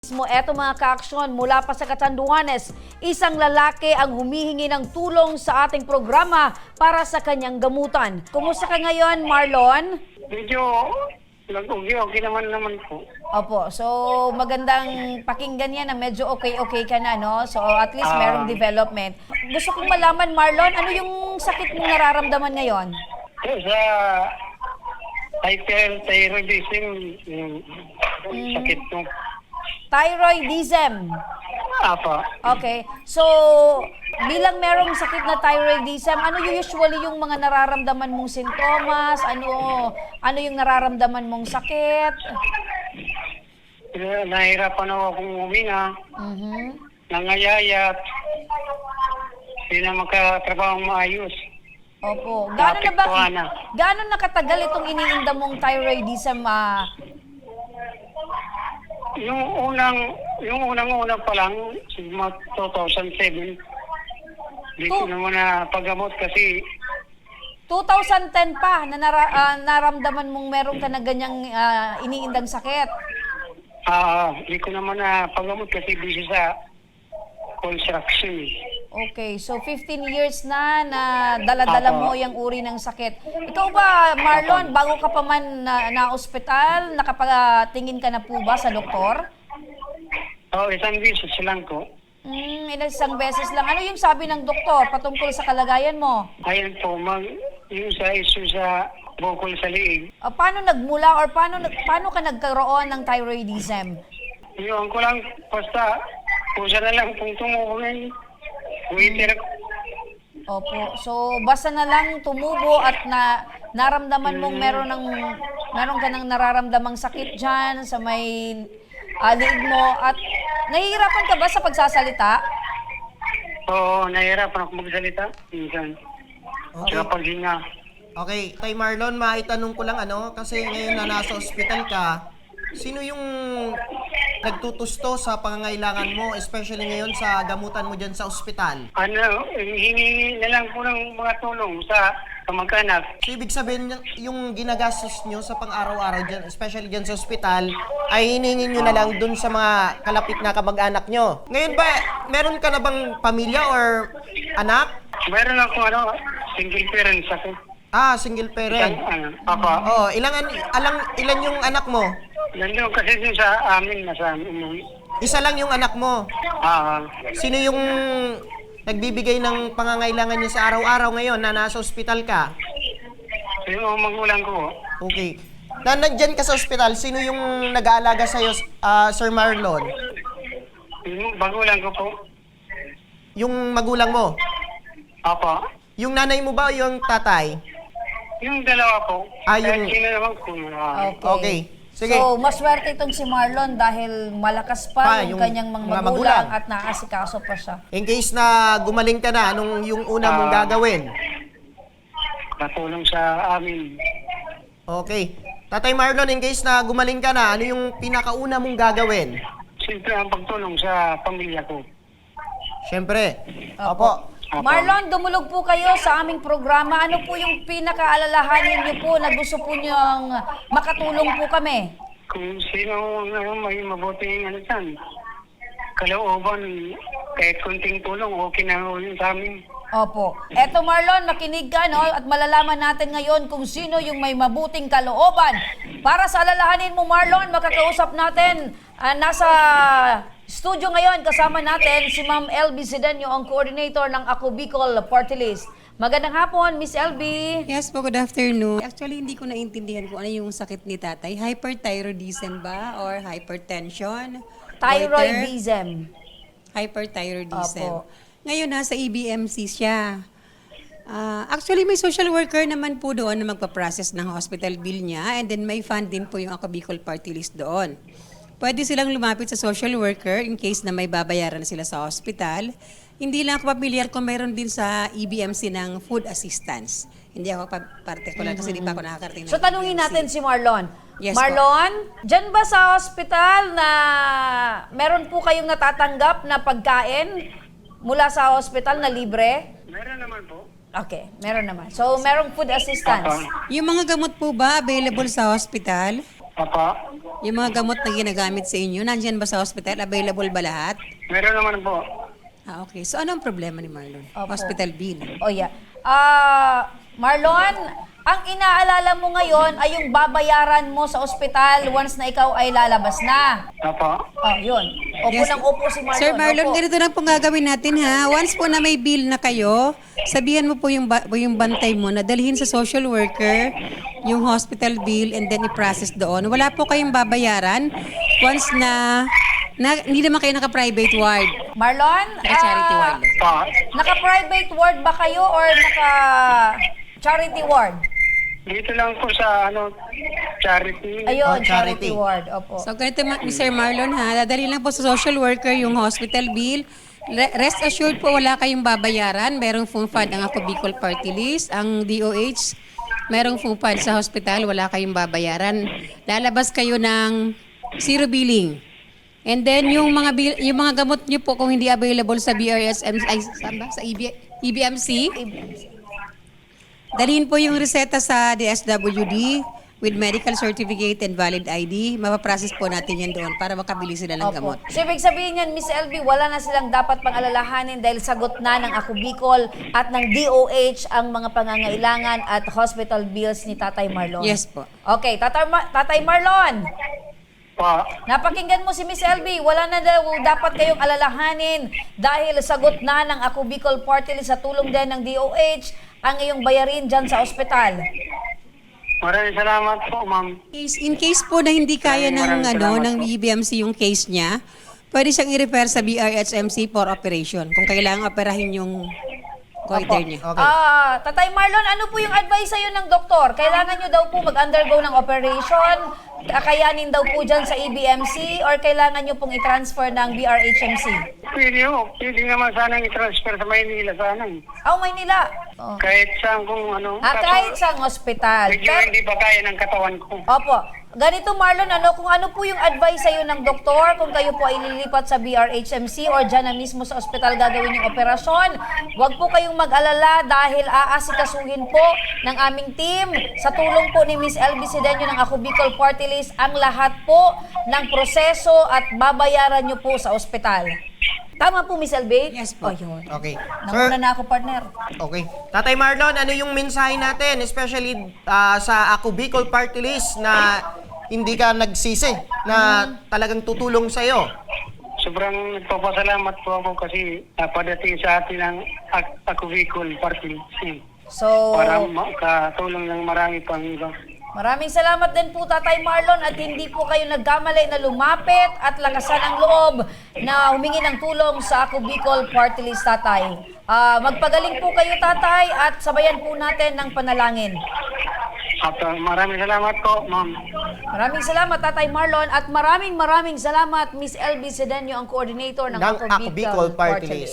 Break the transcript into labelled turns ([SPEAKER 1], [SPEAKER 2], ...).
[SPEAKER 1] Eto mga kaaksyon, mula pa sa Catanduanes, isang lalaki ang humihingi ng tulong sa ating programa para sa kanyang gamutan. Kumusta ka ngayon, Marlon?
[SPEAKER 2] Medyo okay naman po.
[SPEAKER 1] Opo, so magandang pakinggan yan na medyo okay ka na, no? So at least merong development. Gusto kong malaman, Marlon, ano yung sakit mong nararamdaman ngayon?
[SPEAKER 2] Sa hyperthyroidism, yung sakit mo.
[SPEAKER 1] Thyroidism.
[SPEAKER 2] Apa.
[SPEAKER 1] Okay. So, bilang merong sakit na thyroidism, ano usually yung mga nararamdaman mong sintomas? Ano yung nararamdaman mong sakit?
[SPEAKER 2] Nahirapan ako akong huminga. Nangayayat. Hindi na makatrabaho maayos.
[SPEAKER 1] Opo.
[SPEAKER 2] Naapektuhan na.
[SPEAKER 1] Gaano nakatagal itong iniinda mong thyroidism?
[SPEAKER 2] Yung unang pa lang, sigma 2007, hindi ko naman na paggamot kasi
[SPEAKER 1] 2010 pa na naramdaman mong meron ka na ganyang iniindang sakit.
[SPEAKER 2] hindi ko naman na paggamot kasi busy sa construction.
[SPEAKER 1] Okay, so 15 years na dala-dala mo yung uri ng sakit. Ikaw ba, Marlon, bago ka pa man na-ospital, nakapagtingin ka na po ba sa doktor?
[SPEAKER 2] Isang beses lang ko.
[SPEAKER 1] Isang beses lang. Ano yung sabi ng doktor patungkol sa kalagayan mo?
[SPEAKER 2] Ayun po, yung sa issue sa bukol sa liig.
[SPEAKER 1] Paano nagmula or paano ka nagkaroon ng thyroidism?
[SPEAKER 2] Yung ko lang, basta, pusa na lang pong tumukunin. Waiter.
[SPEAKER 1] Opo. So, basta na lang tumubo at naramdaman mong meron ka ng nararamdamang sakit dyan sa may liig mo. At nahihirapan ka ba sa pagsasalita?
[SPEAKER 2] Oo, nahihirapan ako magsalita. Minsan.
[SPEAKER 3] Okay.
[SPEAKER 2] Saka paghinga.
[SPEAKER 3] Okay, kay Marlon, maitanong ko lang kasi ngayon na nasa ospital ka, sino yung nagtutusto sa pangangailangan mo, especially ngayon sa gamutan mo dyan sa ospital?
[SPEAKER 2] Hingi na lang po ng mga tulong sa kamag-anak.
[SPEAKER 3] So, ibig sabihin, yung ginagastos nyo sa pang-araw-araw dyan, especially dyan sa ospital, ay hiningin nyo na lang dun sa mga kalapit na kamag-anak nyo. Ngayon ba, meron ka na bang pamilya or anak?
[SPEAKER 2] Meron ako single parents ako.
[SPEAKER 3] Single parent.
[SPEAKER 2] Papa.
[SPEAKER 3] Oh, ilan yung anak mo?
[SPEAKER 2] Nandun kasi dun sa amin, nasa amin.
[SPEAKER 3] Isa lang yung anak mo. Sino yung nagbibigay ng pangangailangan niya sa araw-araw ngayon na nasa ospital ka?
[SPEAKER 2] Yung magulang ko.
[SPEAKER 3] Okay. Na nandyan ka sa ospital, sino yung nag-aalaga sa'yo, Sir Marlon?
[SPEAKER 2] Yung magulang ko po.
[SPEAKER 3] Yung magulang mo?
[SPEAKER 2] Apa.
[SPEAKER 3] Yung nanay mo ba o yung tatay?
[SPEAKER 2] Yung dalawa po.
[SPEAKER 3] Yung...
[SPEAKER 2] Sino naman ko.
[SPEAKER 3] Okay. Sige.
[SPEAKER 1] So, maswerte itong si Marlon dahil malakas pa yung kanyang mga magulang at naasikaso pa siya.
[SPEAKER 3] In case na gumaling ka na, anong yung una mong gagawin?
[SPEAKER 2] Natulong sa amin.
[SPEAKER 3] Okay. Tatay Marlon, in case na gumaling ka na, ano yung pinakauna mong gagawin?
[SPEAKER 2] Siyempre ang pagtulong sa pamilya ko.
[SPEAKER 3] Siyempre. Opo.
[SPEAKER 1] Marlon, dumulog po kayo sa aming programa. Ano po yung pinakaalalahanin niyo po na gusto po niyong makatulong po kami?
[SPEAKER 2] Kung sino may mabuting dyan, kalooban, kahit kunting tulong, okay na yun sa amin.
[SPEAKER 1] Opo. Eto Marlon, makinig ka at malalaman natin ngayon kung sino yung may mabuting kalooban. Para sa alalahanin mo Marlon, makakausap natin nasa studio ngayon kasama natin si Ma'am LB Zedanyo, ang coordinator ng Ako Bicol Party List. Magandang hapon, Miss LB.
[SPEAKER 4] Yes po, good afternoon. Actually, hindi ko naintindihan kung ano yung sakit ni tatay. Hyperthyroidism ba? Or hypertension?
[SPEAKER 1] Thyroidism.
[SPEAKER 4] Hyperthyroidism.
[SPEAKER 1] Opo.
[SPEAKER 4] Ngayon, nasa EBMC siya. Actually, may social worker naman po doon na magpa-process ng hospital bill niya, and then may fund din po yung Ako Bicol Party List doon. Pwede silang lumapit sa social worker in case na may babayaran sila sa hospital. Hindi lang ako pamilyar kung mayroon din sa EBMC ng food assistance. Hindi ako particular kasi di pa ako nakakarating ng
[SPEAKER 1] So tanungin
[SPEAKER 4] EBMC.
[SPEAKER 1] natin si Marlon.
[SPEAKER 4] Yes,
[SPEAKER 1] Marlon, dyan ba sa hospital na meron po kayong natatanggap na pagkain mula sa hospital na libre?
[SPEAKER 2] Meron naman po.
[SPEAKER 1] Okay, meron naman. So merong food assistance.
[SPEAKER 4] Yung mga gamot po ba available sa hospital?
[SPEAKER 2] Apa.
[SPEAKER 4] Yung mga gamot na ginagamit sa inyo, nandyan ba sa hospital? Available ba lahat?
[SPEAKER 2] Meron naman po.
[SPEAKER 4] Okay. So, ano ang problema ni Marlon?
[SPEAKER 1] Opo.
[SPEAKER 4] Hospital bill.
[SPEAKER 1] Oh yeah. Marlon, ang inaalala mo ngayon ay yung babayaran mo sa ospital once na ikaw ay lalabas na.
[SPEAKER 2] Opo.
[SPEAKER 1] Oh, yun. Opo
[SPEAKER 4] Yes.
[SPEAKER 1] ng opo si Marlon.
[SPEAKER 4] Sir Marlon,
[SPEAKER 1] Opo.
[SPEAKER 4] ganito lang pong gagawin natin ha. Once po na may bill na kayo, sabihan mo po yung bantay mo na dalhin sa social worker yung hospital bill and then i-process doon. Wala po kayong babayaran once na hindi naman kayo naka-private ward.
[SPEAKER 1] Marlon,
[SPEAKER 4] Naka-charity ward.
[SPEAKER 2] Po.
[SPEAKER 1] naka-private ward ba kayo or naka-charity ward?
[SPEAKER 2] Dito lang po sa charity.
[SPEAKER 1] Ayun,
[SPEAKER 3] charity.
[SPEAKER 1] charity ward. Opo.
[SPEAKER 4] So ganito Sir Marlon ha, dadali lang po sa social worker yung hospital bill. Rest assured po wala kayong babayaran. Merong full fund ang Ako Bicol Party List, ang DOH. Merong full fund sa hospital, wala kayong babayaran. Lalabas kayo ng zero billing. And then yung mga gamot niyo po kung hindi available sa BRSM sa EBMC, dalhin po yung reseta sa DSWD with medical certificate and valid ID. Mapaprocess po natin yan doon para makabili sila ng gamot.
[SPEAKER 1] So, ibig sabihin yan, Miss LB, wala na silang dapat pang-alalahanin dahil sagot na ng Ako Bicol at ng DOH ang mga pangangailangan at hospital bills ni Tatay Marlon.
[SPEAKER 4] Yes po.
[SPEAKER 1] Okay, Tatay Marlon,
[SPEAKER 2] Po.
[SPEAKER 1] napakinggan mo si Miss LB, wala na daw dapat kayong alalahanin dahil sagot na ng Ako Bicol Party List sa tulong din ng DOH ang iyong bayarin dyan sa ospital.
[SPEAKER 2] Maraming salamat po, ma'am.
[SPEAKER 4] In case po na hindi kaya
[SPEAKER 2] Maraming salamat
[SPEAKER 4] ng
[SPEAKER 2] po.
[SPEAKER 4] EBMC yung case niya, pwede siyang i-refer sa BRHMC for operation kung kailangan operahin yung goiter niya.
[SPEAKER 3] Okay.
[SPEAKER 1] Tatay Marlon, ano po yung advice sa'yo ng doktor? Kailangan nyo daw po mag-undergo ng operation? Kakayanin daw po dyan sa EBMC? Or kailangan nyo pong i-transfer ng BRHMC?
[SPEAKER 2] Pwede naman sanang i-transfer sa Maynila sana.
[SPEAKER 1] Oh, Maynila. Oh.
[SPEAKER 2] Kahit saan kung
[SPEAKER 1] Kahit sa hospital.
[SPEAKER 2] medyo hindi pa kaya ng katawan ko.
[SPEAKER 1] Opo. Ganito Marlon, kung ano po yung advice sa'yo ng doktor, kung kayo po ay lilipat sa BRHMC or dyan na mismo sa ospital gagawin yung operasyon, huwag po kayong mag-alala dahil aasikasuhin po ng aming team sa tulong po ni Miss LB Sidenio ng Ako Bicol Party List ang lahat po ng proseso at babayaran nyo po sa ospital. Tama po, Miss LB?
[SPEAKER 4] Yes po.
[SPEAKER 1] Oh, yun.
[SPEAKER 3] Okay.
[SPEAKER 1] Nauna na ako, partner.
[SPEAKER 3] Okay. Tatay Marlon, ano yung mensahe natin, especially sa Ako Bicol Party List na hindi ka nagsisi, na talagang tutulong sa'yo?
[SPEAKER 2] Sobrang nagpapasalamat po ako kasi napadating sa atin ang Ako Bicol Party List.
[SPEAKER 1] So,
[SPEAKER 2] Para makatulong ng marami pang iba.
[SPEAKER 1] maraming salamat din po Tatay Marlon at hindi po kayo nagkamali na lumapit at lakasan ang loob na humingi ng tulong sa Ako Bicol Party List, Tatay. Magpagaling po kayo, Tatay, at sabayan po natin ng panalangin.
[SPEAKER 2] At maraming salamat po, ma'am.
[SPEAKER 1] Maraming salamat, Tatay Marlon, at maraming salamat, Miss LB Sidenio, ang coordinator ng
[SPEAKER 3] Ng Ako Bicol Party List.